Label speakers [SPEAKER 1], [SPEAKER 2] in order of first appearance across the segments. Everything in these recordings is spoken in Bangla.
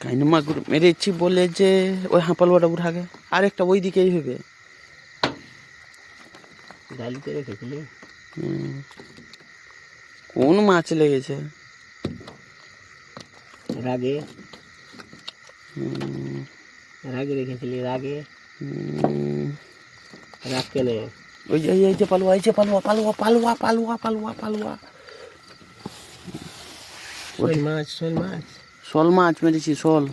[SPEAKER 1] কাইনা মাগুর মেরেছি বলে যে ওই হাঁপালুয়াটা উঠাকে আরেকটা ওই দিকেই হবে।
[SPEAKER 2] ডালিতে রেখেছিলি?
[SPEAKER 1] কোন মাছ লেগেছে?
[SPEAKER 2] রাগে রাগে রেখেছিলি? রাগে রাগ কেনে?
[SPEAKER 1] ওই যে এই যে পালুয়া, এই যে পালুয়া পালুয়া পালুয়া পালুয়া পালুয়া পালুয়া
[SPEAKER 2] শোল মাছ, শোল মাছ,
[SPEAKER 1] শোল মাছ মেরেছি, শোল।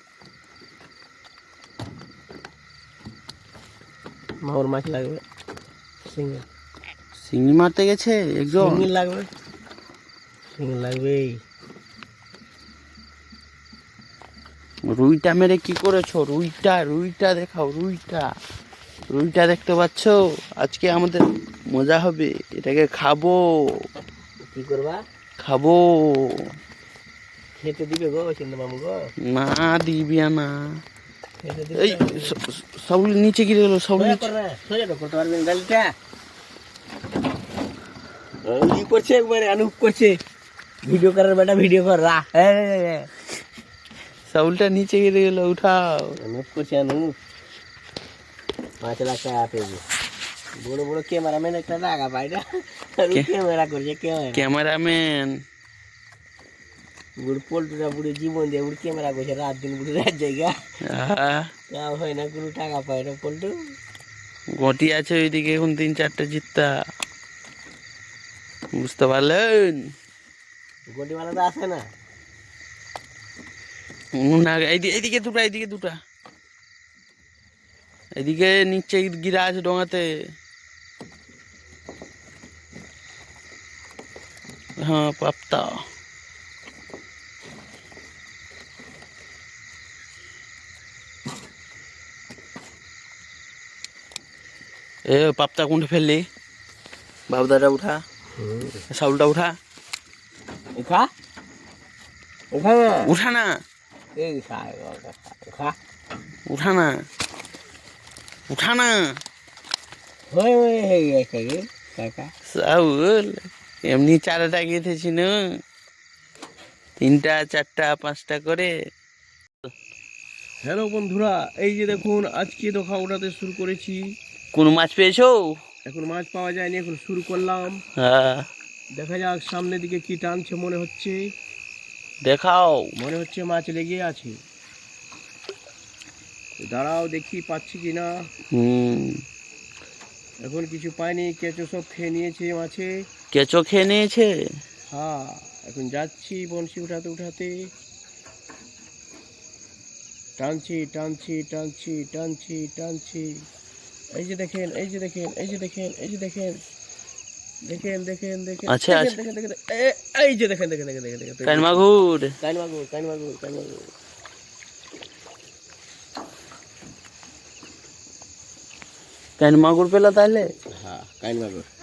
[SPEAKER 2] মাগুর মাছ লাগবে, শিঙি
[SPEAKER 1] শিঙি মারতে গেছে একজন।
[SPEAKER 2] শিঙি লাগবে, শিঙি লাগবেই।
[SPEAKER 1] রুইটা মেরে কি করেছো? রুইটা রুইটা দেখাও, রুইটা রুইটা দেখতে পাচ্ছ? আজকে আমাদের মজা হবে, এটাকে খাবো।
[SPEAKER 2] কি করবা?
[SPEAKER 1] খাবো।
[SPEAKER 2] খেতে দিবে গো সিন্ধু মামু গো?
[SPEAKER 1] না দিবি না।
[SPEAKER 2] খেতে
[SPEAKER 1] এই
[SPEAKER 2] দিবে?
[SPEAKER 1] সাউল নিচে গিরে গেল, সাউল নিচে।
[SPEAKER 2] সোজা তো করতে পারবেন ডালিটা। ই করছে একবারে, অনুপ করছে, ভিডিও করার বেটা ভিডিও কর রা।
[SPEAKER 1] সাউলটা নিচে গিরে গেল, উঠাও।
[SPEAKER 2] অনুপ করছে, অনুপ মাছ রাখা আছে। বড় বড় ক্যামেরাম্যান একটা রাখা পাইটা, ক্যামেরা করছে,
[SPEAKER 1] ক্যামেরাম্যান।
[SPEAKER 2] বুড়ি পোল্ট্রিটা বুড়ি জীবন দিয়ে বুড়ি ক্যামেরা করছে, রাত দিন বুড়ি রাত জায়গা কাম হয় না, কোনো টাকা পায় না পোল্ট্রি।
[SPEAKER 1] গটি আছে ওইদিকে এখন 3-4টে জিত্তা, বুঝতে পারলেন?
[SPEAKER 2] গটিমালা তো আসে না।
[SPEAKER 1] এইদিকে দুটা, এইদিকে দুটা, এদিকে নিচে গিরা আছে ডোঙাতে। হ্যাঁ পাপ্তা। এ পাপ্তা কোনটা ফেললি? বাবদাটা উঠা, সাউলটা উঠা,
[SPEAKER 2] খা
[SPEAKER 1] উঠা না,
[SPEAKER 2] এই খা
[SPEAKER 1] উঠা না, উঠা না। সাউল এমনি চারাটা গেঁথেছি না, 3টা 4টা 5টা করে।
[SPEAKER 2] হ্যালো বন্ধুরা, এই যে দেখুন আজকে দোকা উঠাতে শুরু করেছি।
[SPEAKER 1] কোন মাছ পেয়েছো?
[SPEAKER 2] এখন মাছ পাওয়া যায়নি, এখন শুরু করলাম।
[SPEAKER 1] হ্যাঁ
[SPEAKER 2] দেখা যাক সামনের দিকে কি টানছে, মনে হচ্ছে,
[SPEAKER 1] দেখাও।
[SPEAKER 2] মনে হচ্ছে মাছ লেগে আছে। দাঁড়াও দেখি পাচ্ছি কিনা। এখন কিছু পাইনি, কেঁচো সব খেয়ে নিয়েছে মাছে।
[SPEAKER 1] কেঁচো খেয়ে নিয়েছে?
[SPEAKER 2] হ্যাঁ, এখন যাচ্ছি বনশি উঠাতে উঠাতে, টানছি টানছি টানছি টানছি টানছি। এই যে দেখেন, এই যে দেখেন, এই যে দেখেন, এই যে দেখেন, দেখেন দেখেন দেখেন,
[SPEAKER 1] আচ্ছা
[SPEAKER 2] দেখেন দেখেন দেখেন, এই যে দেখেন দেখেন দেখেন দেখেন দেখেন,
[SPEAKER 1] কান মাগুর।
[SPEAKER 2] কান মাগুর, কান মাগুর, কান মাগুর।
[SPEAKER 1] কান মাগুর পেলা তাহলে?
[SPEAKER 2] হ্যাঁ, কান মাগুর।